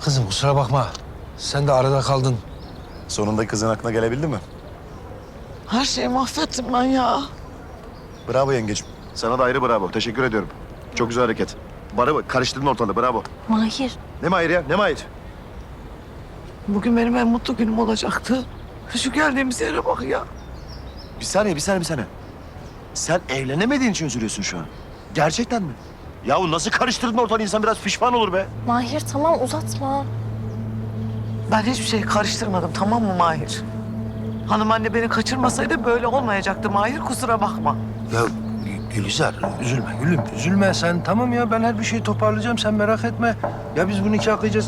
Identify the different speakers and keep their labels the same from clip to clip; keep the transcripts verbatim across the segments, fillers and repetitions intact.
Speaker 1: Kızım kusura bakma. Sen de arada kaldın.
Speaker 2: Sonunda kızın aklına gelebildi mi?
Speaker 3: Her şeyi mahvettim ben ya.
Speaker 2: Bravo yengecim. Sana da ayrı bravo. Teşekkür ediyorum. Çok güzel hareket. Bana bak, karıştırdın ortalığı. Bravo.
Speaker 4: Mahir.
Speaker 2: Ne Mahir ya? Ne Mahir?
Speaker 3: Bugün benim en mutlu günüm olacaktı. Şu geldiğimiz yere bak ya.
Speaker 2: Bir saniye, bir saniye, bir saniye. Sen evlenemediğin için üzülüyorsun şu an. Gerçekten mi? Yahu nasıl karıştırdın ortalığı? İnsan biraz pişman olur be.
Speaker 4: Mahir tamam uzatma.
Speaker 3: Ben hiçbir şeyi karıştırmadım, tamam mı Mahir? Hanım anne beni kaçırmasaydı böyle olmayacaktı Mahir, kusura bakma.
Speaker 1: Ya Gü- Gülizar üzülme gülüm üzülme sen. Tamam ya ben her bir şeyi toparlayacağım sen merak etme. Ya biz bu nikahı kıyacağız.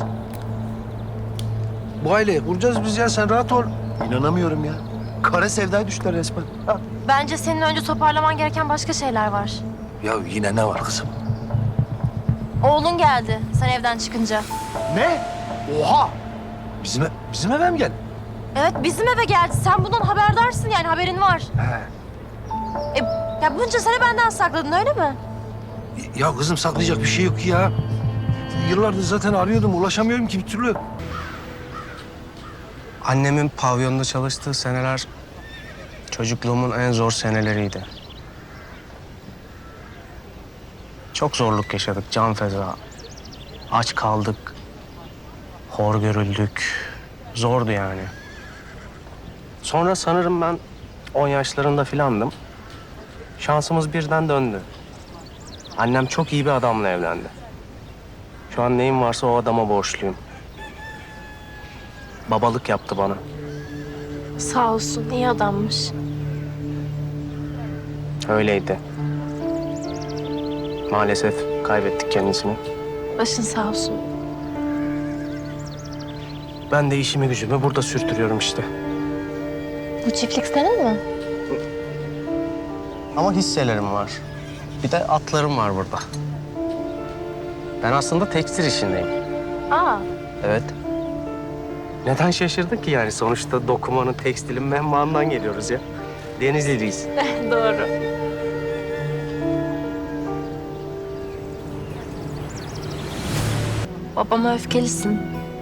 Speaker 1: Bu aileyi kuracağız biz ya sen rahat ol.
Speaker 2: İnanamıyorum ya. Kara sevdaya düştüler resmen. Ha.
Speaker 4: Bence senin önce toparlaman gereken başka şeyler var.
Speaker 1: Ya yine ne var kızım?
Speaker 4: Oğlun geldi sen evden çıkınca.
Speaker 2: Ne? Oha!
Speaker 1: Bizim, e- bizim eve mi geldin?
Speaker 4: Evet bizim eve geldi. Sen bundan haberdarsın yani haberin var.
Speaker 1: He.
Speaker 4: E, ya bunca sene benden sakladın öyle mi?
Speaker 1: Ya kızım saklayacak bir şey yok ki ya. Yıllardır zaten arıyordum ulaşamıyorum ki bir türlü.
Speaker 5: Annemin pavyonda çalıştığı seneler çocukluğumun en zor seneleriydi. Çok zorluk yaşadık, can feza. Aç kaldık, hor görüldük. Zordu yani. Sonra sanırım ben on yaşlarında filandım. Şansımız birden döndü. Annem çok iyi bir adamla evlendi. Şu an neyim varsa o adama borçluyum. Babalık yaptı bana.
Speaker 4: Sağ olsun iyi adammış.
Speaker 5: Öyleydi. Maalesef kaybettik kendisini.
Speaker 4: Başın sağ olsun.
Speaker 5: Ben de işimi gücümü burada sürtürüyorum işte.
Speaker 4: Bu çiftlik senin mi?
Speaker 5: Ama hisselerim var. Bir de atlarım var burada. Ben aslında tekstil işindeyim.
Speaker 4: Aa
Speaker 5: Evet. Neden şaşırdın ki yani? Sonuçta dokumanın, tekstilin menbaından geliyoruz ya. Denizliliyiz.
Speaker 4: doğru. Babama öfkelisin.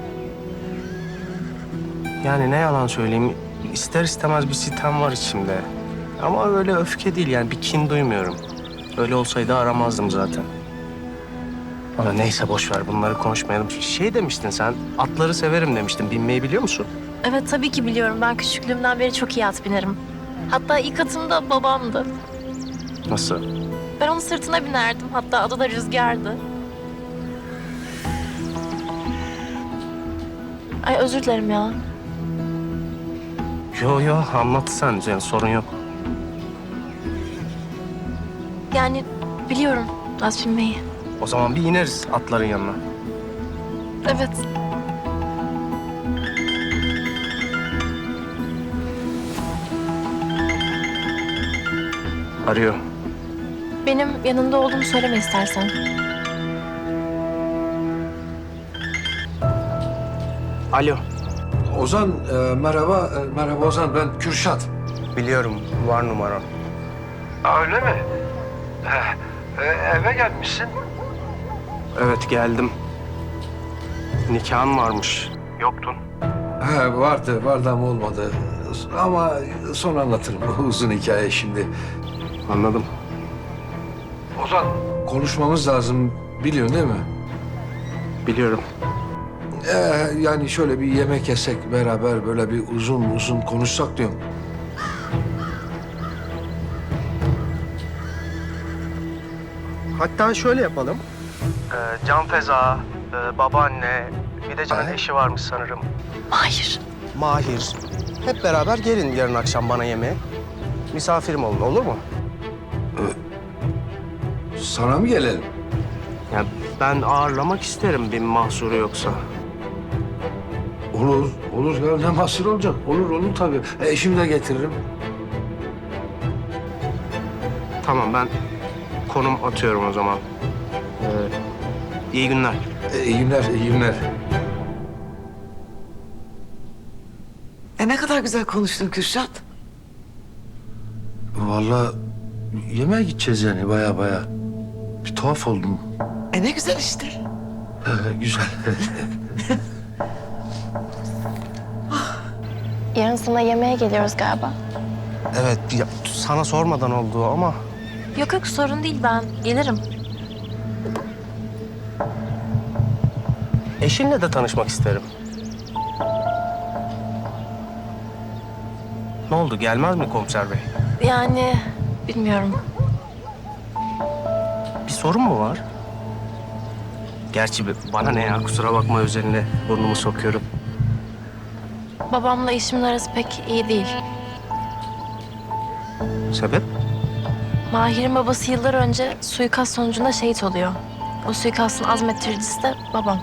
Speaker 5: Yani ne yalan söyleyeyim, ister istemez bir sitem var içimde. Ama öyle öfke değil yani, bir kin duymuyorum. Öyle olsaydı aramazdım zaten. Ama neyse boş ver, bunları konuşmayalım. Şey demiştin sen, atları severim demiştin. Binmeyi biliyor musun?
Speaker 4: Evet tabii ki biliyorum. Ben küçüklüğümden beri çok iyi at binerim. Hatta ilk atım da babamdı.
Speaker 5: Nasıl?
Speaker 4: Ben onun sırtına binerdim. Hatta adı da Rüzgar'dı. Ay özür dilerim ya.
Speaker 5: Yo yo, anlat sen. Yani sorun yok.
Speaker 4: Yani biliyorum at binmeyi.
Speaker 5: O zaman bir ineriz atların yanına.
Speaker 4: Evet.
Speaker 5: Arıyor.
Speaker 4: Benim yanında olduğumu söyleme istersen.
Speaker 5: Alo.
Speaker 1: Ozan e, merhaba. E, merhaba Ozan ben Kürşat.
Speaker 5: Biliyorum, var numaran.
Speaker 1: Öyle mi? E, eve gelmişsin.
Speaker 5: Evet, geldim. Nikahın varmış. Yoktun.
Speaker 1: He vardı vardı ama olmadı. Ama sonra anlatırım bu uzun hikaye şimdi.
Speaker 5: Anladım.
Speaker 1: Ozan konuşmamız lazım biliyorsun değil mi?
Speaker 5: Biliyorum.
Speaker 1: Ee, yani şöyle bir yemek yesek beraber böyle bir uzun uzun konuşsak diyorum.
Speaker 5: Hatta şöyle yapalım. Ee, Can Feza, e, babaanne, bir de Can'ın
Speaker 1: He?
Speaker 5: eşi varmış sanırım.
Speaker 4: Hayır.
Speaker 5: Mahir. Hep beraber gelin yarın akşam bana yemeğe. Misafirim olun, olur mu?
Speaker 1: Sana mı gelelim?
Speaker 5: Ya ben ağırlamak isterim, bir mahsuru yoksa.
Speaker 1: Olur, olur ya ne mahsur olacak? Olur, olur tabii. E, eşimi de getiririm.
Speaker 5: Tamam, ben konum atıyorum o zaman. Ee, iyi günler.
Speaker 1: E, iyi günler, iyi günler.
Speaker 3: E ne kadar güzel konuştun Kürşat.
Speaker 1: Vallahi yemeğe gideceğiz yani baya baya. Bir tuhaf oldum.
Speaker 3: E ne güzel işte.
Speaker 1: Ee, güzel.
Speaker 4: Yarın sana yemeğe geliyoruz galiba.
Speaker 5: Evet, ya, sana sormadan oldu ama
Speaker 4: Yok yok sorun değil ben gelirim.
Speaker 5: eşinle de tanışmak isterim. Ne oldu, gelmez mi komiser bey?
Speaker 4: Yani bilmiyorum.
Speaker 5: Bir sorun mu var? Gerçi bana ne ya, kusura bakma özeline burnumu sokuyorum.
Speaker 4: Babamla eşimin arası pek iyi değil.
Speaker 5: Sebep?
Speaker 4: Mahir'in babası yıllar önce suikast sonucunda şehit oluyor. O suikastın azmettiricisi de babam.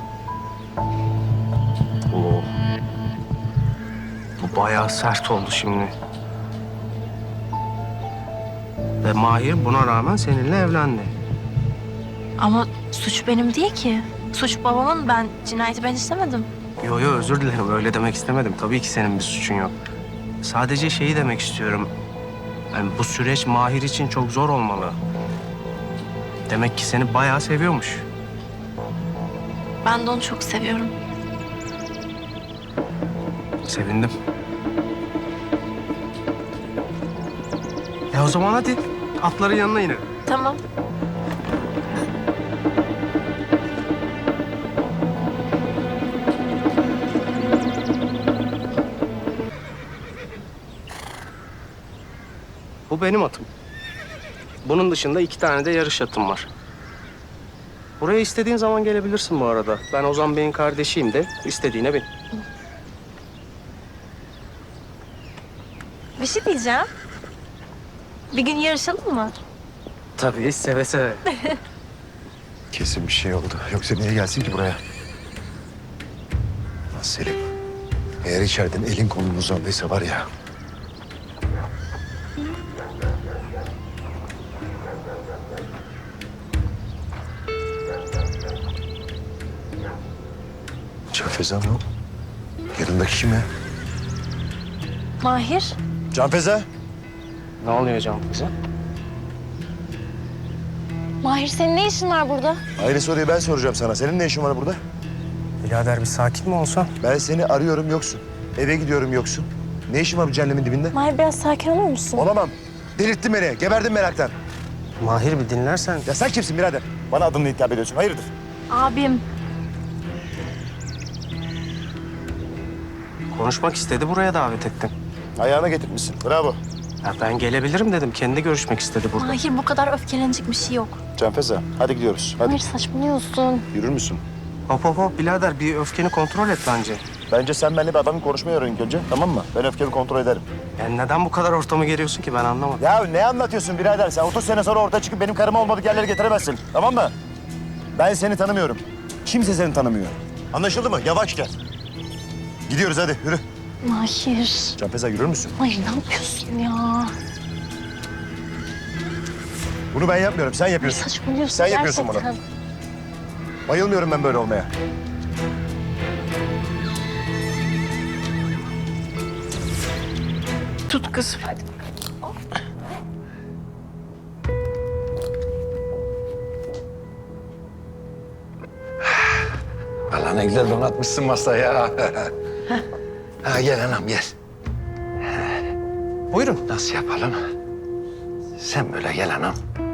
Speaker 5: Oo. Bu bayağı sert oldu şimdi. Ve Mahir buna rağmen seninle evlendi.
Speaker 4: Ama suç benim değil ki. Suç babamın, ben cinayeti ben işlemedim.
Speaker 5: Yo yo, özür dilerim, öyle demek istemedim. Tabii ki senin bir suçun yok. Sadece şeyi demek istiyorum. Yani bu süreç Mahir için çok zor olmalı. Demek ki seni bayağı seviyormuş.
Speaker 4: Ben de onu çok seviyorum.
Speaker 5: Sevindim. E o zaman hadi atların yanına inelim.
Speaker 4: Tamam.
Speaker 5: Bu benim atım. Bunun dışında iki tane de yarış atım var. Buraya istediğin zaman gelebilirsin bu arada. Ben Ozan Bey'in kardeşiyim de istediğine bin.
Speaker 4: Bir şey diyeceğim. Bir gün yarışalım mı?
Speaker 5: Tabii, seve seve.
Speaker 2: Kesin bir şey oldu. Yoksa niye gelsin ki buraya? Lan Selim, eğer içeriden elin kolun uzandıysa var ya... Can Feza mı o? Yanındaki kim ya?
Speaker 4: Mahir.
Speaker 2: Can Feza.
Speaker 5: Ne oluyor Can bize?
Speaker 4: Mahir senin ne işin var burada?
Speaker 2: Aynı soruyu ben soracağım sana. Senin ne işin var burada?
Speaker 5: Birader bir sakin mi olsan?
Speaker 2: Ben seni arıyorum yoksun. Eve gidiyorum yoksun. Ne işin var bu cehennemin dibinde?
Speaker 4: Mahir biraz sakin olur musun?
Speaker 2: Olamam. Delirttin beni. Geberdim meraktan.
Speaker 5: Mahir bir dinlersen.
Speaker 2: Ya sen kimsin birader? Bana adımla hitap ediyorsun. Hayırdır?
Speaker 4: Abim.
Speaker 5: Konuşmak istedi, buraya davet ettim.
Speaker 2: Ayağına getirmişsin. Bravo.
Speaker 5: Ya ben gelebilirim dedim. Kendi görüşmek istedi burada.
Speaker 4: Mahir bu kadar öfkelenecek bir şey yok.
Speaker 2: Can Feza, hadi gidiyoruz. Hadi.
Speaker 4: Mahir saçmalıyorsun.
Speaker 2: Yürür müsün?
Speaker 5: Hop hop hop birader, bir öfkeni kontrol et bence.
Speaker 2: Bence sen benimle bir adamın konuşmayı öğren ilk önce. Tamam mı? Ben öfkemi kontrol ederim.
Speaker 5: Yani neden bu kadar ortamı geriyorsun ki, ben anlamadım.
Speaker 2: Ya ne anlatıyorsun birader? Sen otuz sene sonra ortaya çıkıp benim karıma olmadık yerlere getiremezsin. Tamam mı? Ben seni tanımıyorum. Kimse seni tanımıyor. Anlaşıldı mı? Yavaş gel. Gidiyoruz hadi yürü.
Speaker 4: Mahir.
Speaker 2: Can Feza yürür müsün?
Speaker 4: Mahir ne yapıyorsun ya?
Speaker 2: Bunu ben yapmıyorum. Sen yapıyorsun.
Speaker 4: Saçmalıyorsun
Speaker 2: Sen yapıyorsun
Speaker 4: gerçekten.
Speaker 2: Bayılmıyorum ben böyle olmaya.
Speaker 3: Tut kızım. Hadi.
Speaker 1: Allah ne güzel donatmışsın masaya. Ha, gel anam gel.
Speaker 5: Buyurun.
Speaker 1: Nasıl yapalım? Sen böyle gel anam.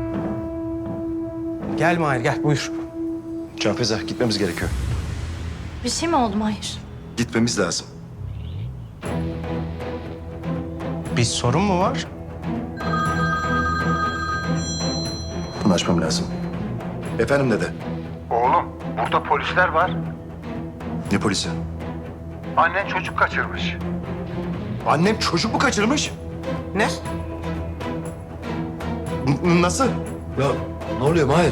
Speaker 5: Gel Mahir gel, buyur.
Speaker 2: Can Feza gitmemiz gerekiyor.
Speaker 4: Bir şey mi oldu Mahir?
Speaker 2: Gitmemiz lazım.
Speaker 5: Bir sorun mu var?
Speaker 2: Bunu açmam lazım. Efendim dede.
Speaker 6: Oğlum, burada polisler var.
Speaker 2: Ne polisi?
Speaker 6: Annen çocuk kaçırmış.
Speaker 2: Annem çocuk mu kaçırmış?
Speaker 5: Ne?
Speaker 2: N- nasıl?
Speaker 1: Ya ne oluyor Mahir?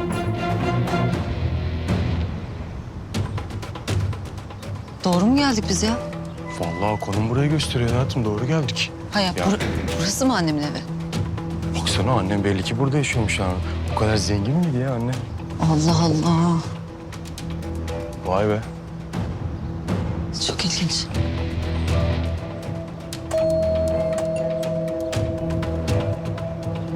Speaker 7: Doğru mu geldik biz ya?
Speaker 8: Vallahi konum burayı gösteriyor hayatım. Doğru geldik.
Speaker 7: Ha ya, bur- burası mı annemin evi?
Speaker 8: Baksana annem belli ki burada yaşıyormuş yani. O kadar zengin miydi ya anne?
Speaker 7: Allah Allah.
Speaker 8: Vay be.
Speaker 7: Çok ilginç.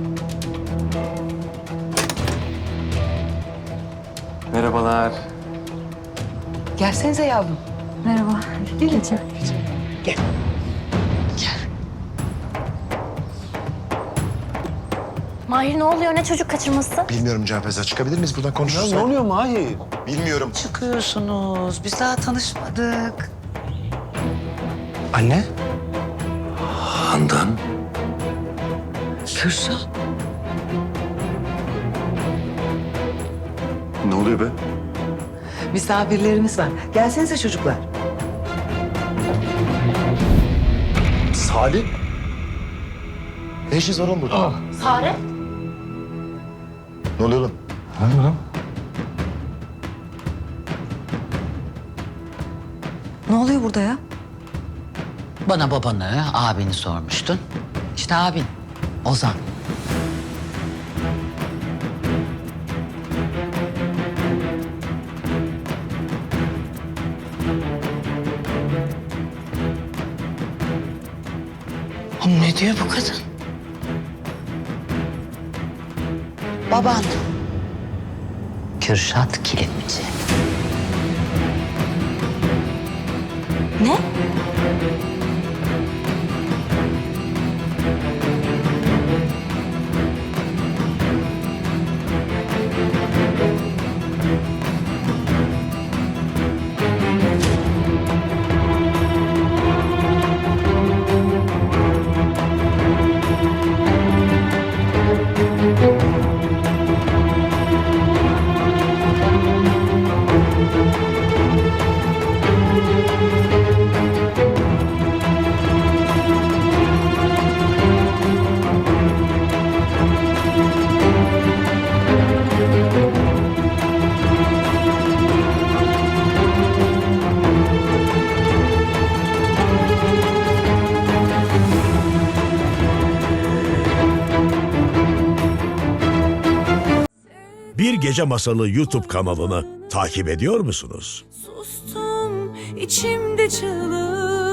Speaker 8: Merhabalar.
Speaker 3: Gelsenize yavrum.
Speaker 7: Merhaba.
Speaker 3: Gelin. Gel. Gel.
Speaker 4: Mahir ne oluyor? Ne çocuk kaçırması?
Speaker 2: Bilmiyorum Can Feza. Çıkabilir miyiz buradan konuşuruz?
Speaker 1: Ne oluyor Mahir?
Speaker 2: Bilmiyorum.
Speaker 3: Çıkıyorsunuz. Biz daha tanışmadık.
Speaker 5: Anne?
Speaker 1: Handan.
Speaker 3: Kürşat.
Speaker 2: Ne oluyor be?
Speaker 3: Misafirlerimiz var. Gelsenize çocuklar.
Speaker 2: Salih. Ne işiniz var oğlum burada?
Speaker 4: Sare?
Speaker 2: Ne oluyor oğlum?
Speaker 7: Ne oluyor burada ya?
Speaker 9: Bana babanı, abini sormuştun. İşte abin, Ozan.
Speaker 3: Oğlum ne diyor bu kadın?
Speaker 9: Baban. Kürşat Kilimci.
Speaker 4: Ne?
Speaker 10: Bir Gece Masalı YouTube kanalını takip ediyor musunuz?
Speaker 11: Sustum içimde çığlık.